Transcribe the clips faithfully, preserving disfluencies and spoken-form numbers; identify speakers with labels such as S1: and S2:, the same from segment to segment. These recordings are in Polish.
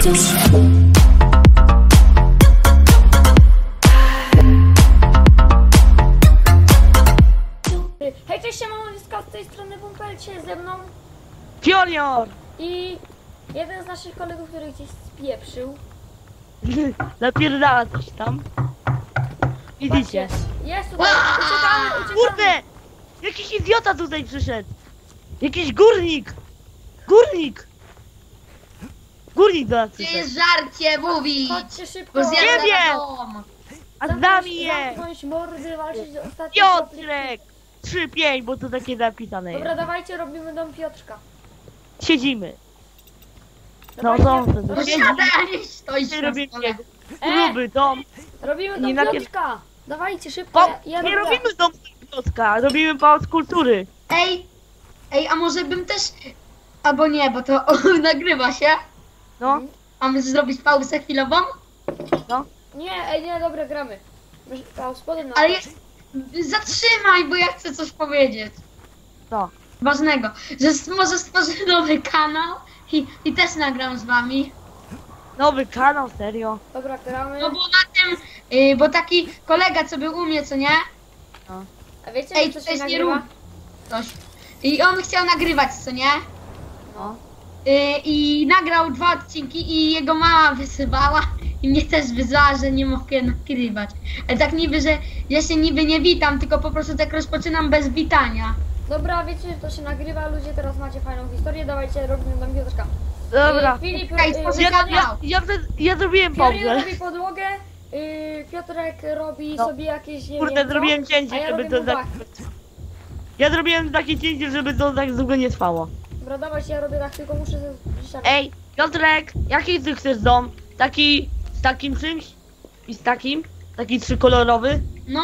S1: Hej, cześć, siemano, z tej strony Bumpelcie, ze mną
S2: Fiorior!
S1: i jeden z naszych kolegów, który gdzieś spieprzył.
S2: Napierdala coś tam. Widzicie?
S1: Jest tutaj, uciekamy, uciekamy.
S2: Kurde! Jakiś idiota tutaj przyszedł! Jakiś górnik! Górnik! Górnik do nas
S3: Czy
S2: przyszedł.
S3: jest żarcie mówić?
S1: Chodźcie szybko.
S3: Bo zjadę
S2: Nie wiem.
S3: na dom.
S2: A z nami jest!
S1: Zamknąć mordy, walczyć do ostatniego.
S2: Piotrek! trzy pięć, bo to takie napisane
S1: Dobra,
S2: jest.
S1: dawajcie, robimy dom Piotrka.
S2: Siedzimy. No
S1: Dawajcie,
S2: to to
S1: robimy,
S3: Siadaj, stoisz
S2: Nie
S3: na
S2: robimy
S3: stole.
S2: jego. Gruby dom.
S1: robimy
S2: Nie
S1: dom
S2: napier-
S1: Piotrka. Dawajcie, szybko,
S2: Po,
S1: ja, ja
S2: nie
S1: robię.
S2: robimy domu Piotrka, robimy pałac kultury.
S3: Ej, ej, a może bym też... Albo nie, bo to o, nagrywa się.
S2: No,
S3: Mamy zrobić pauzę chwilową?
S2: no.
S1: Nie, ej, nie, dobra, gramy. A, spodem na
S3: Ale jest... Zatrzymaj, bo ja chcę coś powiedzieć.
S2: To.
S3: Ważnego. Że s- może stworzę nowy kanał i, i też nagram z wami.
S2: Nowy kanał, serio.
S1: Dobra, gramy.
S3: No bo na tym... y, bo taki kolega, co był u mnie, co nie?
S1: A wiecie,
S3: Ej,
S1: co
S3: to
S1: się
S3: jest nie
S1: nagrywa?
S3: rób. Coś. I on chciał nagrywać, co nie?
S2: No.
S3: Y, I nagrał dwa odcinki i jego mama wysyłała i mnie też wyzwała, że nie mogę nagrywać. Ale tak niby, że ja się niby nie witam, tylko po prostu tak rozpoczynam bez witania.
S1: Dobra, wiecie, że to się nagrywa, ludzie, teraz macie fajną historię, dawajcie, robimy dom Piotrka.
S2: Dobra.
S1: Y, Filip,
S3: Czekaj,
S1: y,
S3: stworzę
S2: Ja,
S3: kanał.
S2: ja, ja, ja zrobiłem
S1: Fiorier
S2: pauzę.
S1: robi podłogę, y, Piotrek robi
S2: No.
S1: sobie jakieś, nie
S2: Kurde,
S1: wiem co,
S2: zrobiłem
S1: a
S2: cięcie,
S1: ja
S2: żeby
S1: robię
S2: to tak...
S1: dachy.
S2: Ja zrobiłem takie cięcie, żeby to tak długo nie trwało.
S1: Dobra, dawajcie, ja robię dach, tylko muszę zbliżyć.
S2: Ej, Piotrek, jaki ty chcesz dom? Taki z takim czymś? I z takim? Taki trzykolorowy?
S3: No,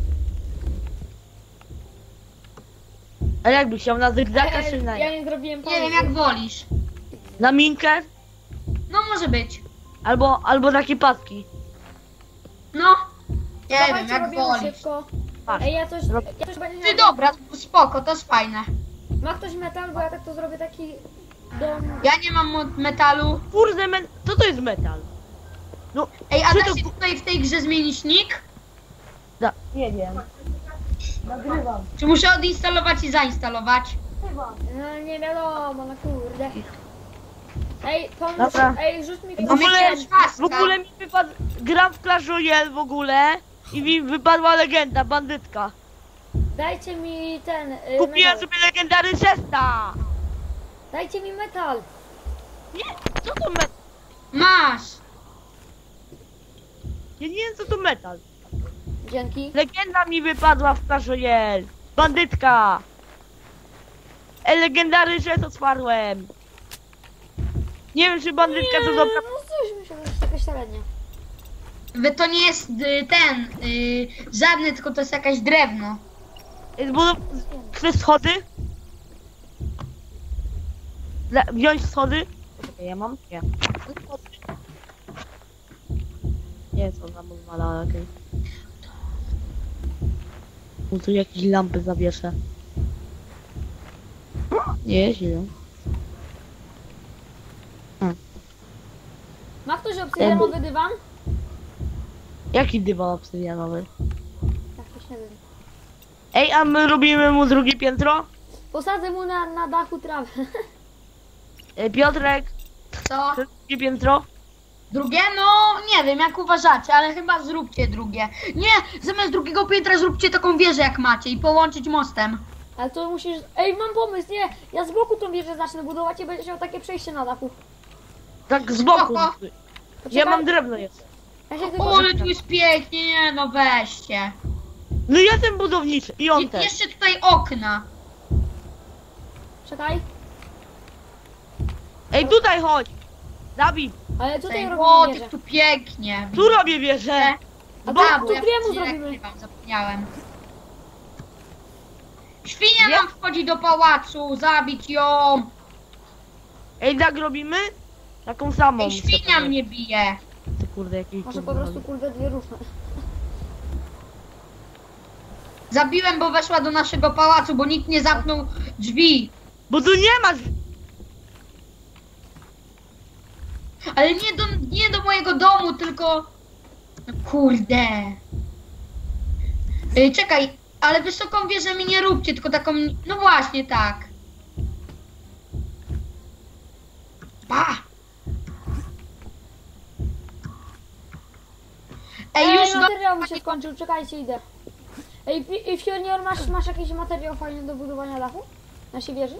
S2: A jakby chciał na zygzaka
S1: Ej,
S2: czy na...
S1: ja nie zrobiłem pauzy.
S3: nie wiem jak wolisz.
S2: Na minkę?
S3: No może być.
S2: Albo, albo takie paski.
S3: No, nie
S1: Dawajcie,
S3: wiem jak
S1: robimy
S3: wolisz.
S1: szybko.
S2: Patrz.
S1: Ej, ja coś,
S2: Rob-
S1: ja coś będzie
S3: Ty dobra, spoko, to jest fajne.
S1: Ma ktoś metal, bo ja tak to zrobię taki dom.
S3: Ja nie mam mo- metalu.
S2: Kurde, men... co to jest metal? No,
S3: Ej, a
S2: czy
S3: da
S2: to...
S3: się tutaj w tej grze zmienić nick?
S2: Da... Nie wiem. Nagrywam.
S3: Czy muszę odinstalować i zainstalować?
S1: No nie wiadomo, no kurde. Ej, pomóż,
S2: Dobra.
S1: ej, rzuć mi
S2: W
S3: Mam
S2: ogóle,
S3: jakiegoś paska.
S2: w ogóle mi wypadł... Gram w Clash Royale w ogóle i mi wypadła legenda, bandytka.
S1: Dajcie mi ten, y,
S2: Kupiłem
S1: metal.
S2: sobie legendary Zesta.
S1: Dajcie mi metal.
S2: Nie, co to metal?
S3: Masz!
S2: Ja nie wiem co to metal.
S1: Dzięki.
S2: Legenda mi wypadła w Clash Royale. Bandytka. E, legendary Zest otwarłem. Nie wiem czy bandytka to dobra...
S1: No coś mi się, to jest jakaś średnia.
S3: Wy to nie jest y, ten, y, żadny, tylko to jest jakaś drewno.
S2: E, Bo... Chcesz schody? Le... Wziąć schody? Czekaj, ja mam? Nie. Schody. Nie, co tam odwala, ale okej. Okay. Tu jakieś lampy zawieszę. Nie, źle.
S1: Ma ktoś obsydianowy dywan?
S2: Jaki dywan obsydianowy?
S1: Tak, to się nazywa.
S2: Ej, a my robimy mu drugie piętro?
S1: Posadzę mu na, na dachu trawę.
S2: Ej, Piotrek,
S3: Co?
S2: chcesz drugie piętro?
S3: Drugie? No, nie wiem, jak uważacie, ale chyba zróbcie drugie. Nie, zamiast drugiego piętra zróbcie taką wieżę jak macie i połączyć mostem.
S1: Ale to musisz... Ej, mam pomysł, nie! Ja z boku tą wieżę zacznę budować i będziesz miał takie przejście na dachu.
S2: Tak z boku.
S3: Spoko.
S2: Ja
S1: Poczekaj,
S2: mam drewno jest.
S1: Ja się tylko...
S3: O, ale tu jest pięknie, nie no weźcie.
S2: No ja ten budowniczy i on
S3: Je,
S2: też.
S3: jeszcze tutaj okna.
S1: Czekaj.
S2: Ej, tutaj chodź. Dawid,
S1: Ale tutaj
S3: O,
S1: robimy
S3: ty
S1: wieżę.
S3: tu pięknie.
S2: tu robię wieżę.
S1: A
S2: Z
S1: tu-
S3: A,
S2: boku.
S3: bo ja
S1: dwie mu
S3: wcześniej
S1: zrobimy.
S3: nagrywam, zapomniałem. Świnia
S2: Nie?
S3: nam wchodzi do pałacu, zabić ją.
S2: Ej, tak robimy? Taką samą.
S3: Ej, świnia mnie bije.
S2: Ty kurde, jakiś
S1: Może
S2: kurde
S1: po prostu
S2: robi.
S1: kurde dwie różne.
S3: Zabiłem, bo weszła do naszego pałacu, bo nikt nie zamknął drzwi.
S2: Bo tu nie ma...
S3: Ale nie do, nie do mojego domu, tylko... No kurde. Yy, czekaj, ale wysoką wieżę mi nie róbcie, tylko taką... No właśnie, tak. Ba! Ej,
S1: Ej,
S3: już no...
S1: materiał mi się skończył, czekajcie, idę. Ej, Fi- Ej, Fionior, masz, masz jakiś materiał fajny do budowania dachu? Naszej wieży?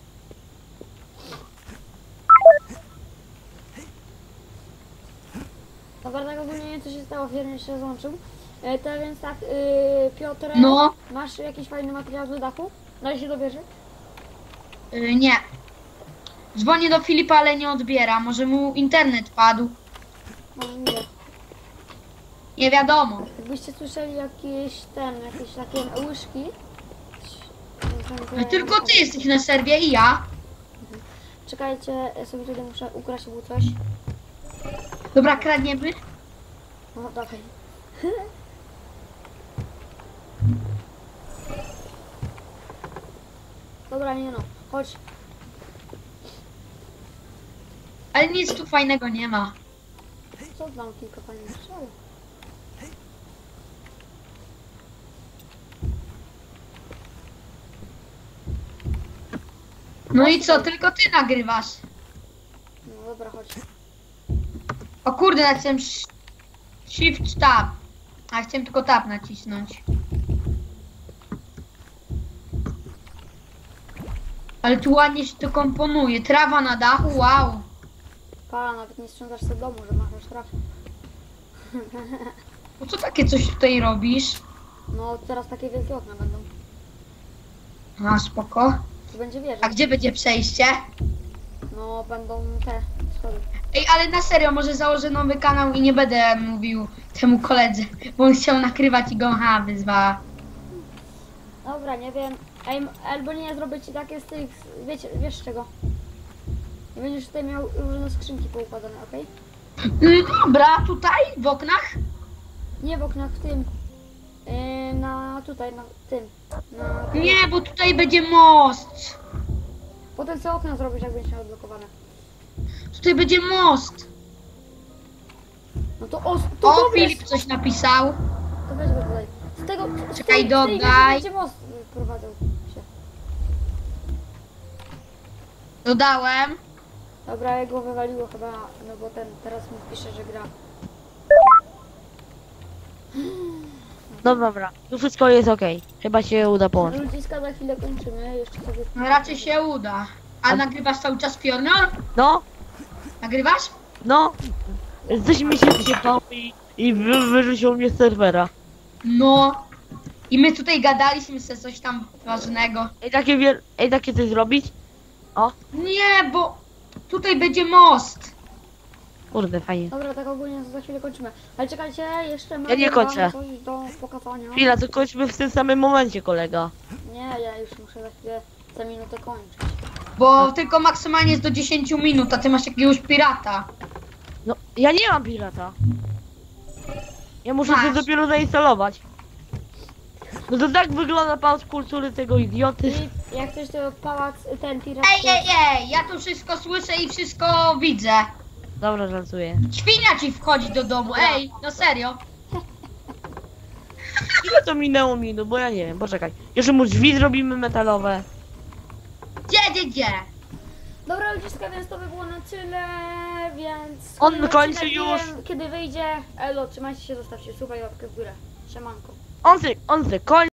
S1: Dobra, tak ogólnie nie wiem co się stało, Fionior się złączył. E, to więc tak, yy, Piotr,
S3: No.
S1: masz jakiś fajny materiał do dachu? Daj się do wieży?
S3: Yy, nie. Dzwonię do Filipa, ale nie odbiera. Może mu internet padł.
S1: Może nie.
S3: Nie wiadomo.
S1: Jakbyście słyszeli jakieś ten, jakieś takie łyżki.
S3: No, tylko ty jesteś na serwie i ja.
S1: Czekajcie, ja sobie tutaj muszę ukraść mu coś.
S3: Dobra, kradniemy.
S1: No dawaj. Dobra, nie no, chodź.
S3: Ale nic tu fajnego nie ma.
S1: Co znam kilka fajnych strzał.
S3: No i co, tylko ty nagrywasz.
S1: No dobra, chodź.
S3: O kurde, nacisnąłem sh- Shift Tab. A chciałem tylko Tab nacisnąć. Ale tu ładnie się to komponuje. Trawa na dachu, wow.
S1: Pala, nawet nie sprzątasz sobie domu, że masz już trafę.
S3: Po co takie coś tutaj robisz?
S1: No teraz takie wielkie okna będą.
S3: A, spoko.
S1: Tu będzie wieża.
S3: A gdzie będzie przejście?
S1: No będą te schody.
S3: Ej, ale na serio, może założę nowy kanał i nie będę mówił temu koledze, bo on chciał nakrywać i go ha, wyzwała.
S1: Dobra, nie wiem. Ej, m- albo nie, zrobię ci takie z tych, wiecie, wiesz czego? I będziesz tutaj miał różne skrzynki poukładane, okej?
S3: Mm, Dobra, tutaj, w oknach?
S1: Nie w oknach, w tym. Yy, na tutaj, na tym. Na...
S3: Nie, bo tutaj będzie most.
S1: Potem co okna zrobisz, jak będziesz miał odblokowane.
S3: Tutaj będzie most.
S1: No to o, to
S3: O,
S1: dobre,
S3: Filip coś napisał.
S1: to weź go tutaj. Z tego, z
S3: Czekaj,
S1: tej- z tej
S3: dodaj.
S1: będzie most y, prowadzał się.
S3: Dodałem.
S1: Dobra, jego wywaliło chyba, no bo ten teraz mi pisze, że gra.
S2: No dobra, tu wszystko jest okej. Chyba się uda połączyć.
S1: Ludziska za chwilę kończymy, jeszcze sobie...
S3: No raczej się uda. A
S2: A-
S3: nagrywasz cały czas Piornor?
S2: No,
S3: Nagrywasz?
S2: no. Coś mi się zjebało i, i wy, wyrzucił mnie z serwera.
S3: No. I my tutaj gadaliśmy sobie coś tam ważnego.
S2: Ej, takie wiel... Ej, takie coś zrobić? O,
S3: Nie, bo tutaj będzie most.
S2: kurde, fajnie.
S1: Dobra, tak ogólnie za chwilę kończymy. Ale czekajcie, jeszcze mam
S2: Ja nie
S1: wam
S2: kończę.
S1: coś do pokazania.
S2: Chwila, to kończmy w tym samym momencie, kolega.
S1: Nie, ja już muszę za chwilę, za minutę kończyć.
S3: Bo tylko maksymalnie jest do dziesięciu minut, a ty masz jakiegoś pirata.
S2: No, ja nie mam pirata. Ja muszę
S3: Masz.
S2: to dopiero zainstalować. No to tak wygląda pałac kultury tego idioty.
S1: I jak ktoś to pałac, ten pirat...
S3: Ej, ej, ej, ja tu wszystko słyszę i wszystko widzę.
S2: Dobra, żartuję.
S3: Świnia ci wchodzi do domu, ej, no serio.
S2: Ile to minęło minut, bo ja nie wiem, poczekaj. Jeszcze mu drzwi zrobimy metalowe.
S3: Gdzie, gdzie, gdzie?
S1: Dobra ludziska, więc to by było na tyle, więc...
S2: On
S1: kolejny
S2: kończy
S1: odcinek, nie
S2: już.
S1: wiem, kiedy wyjdzie. Elo, trzymajcie się, zostawcie suba i łapkę w górę. Siemanko.
S2: On se, on se kończy.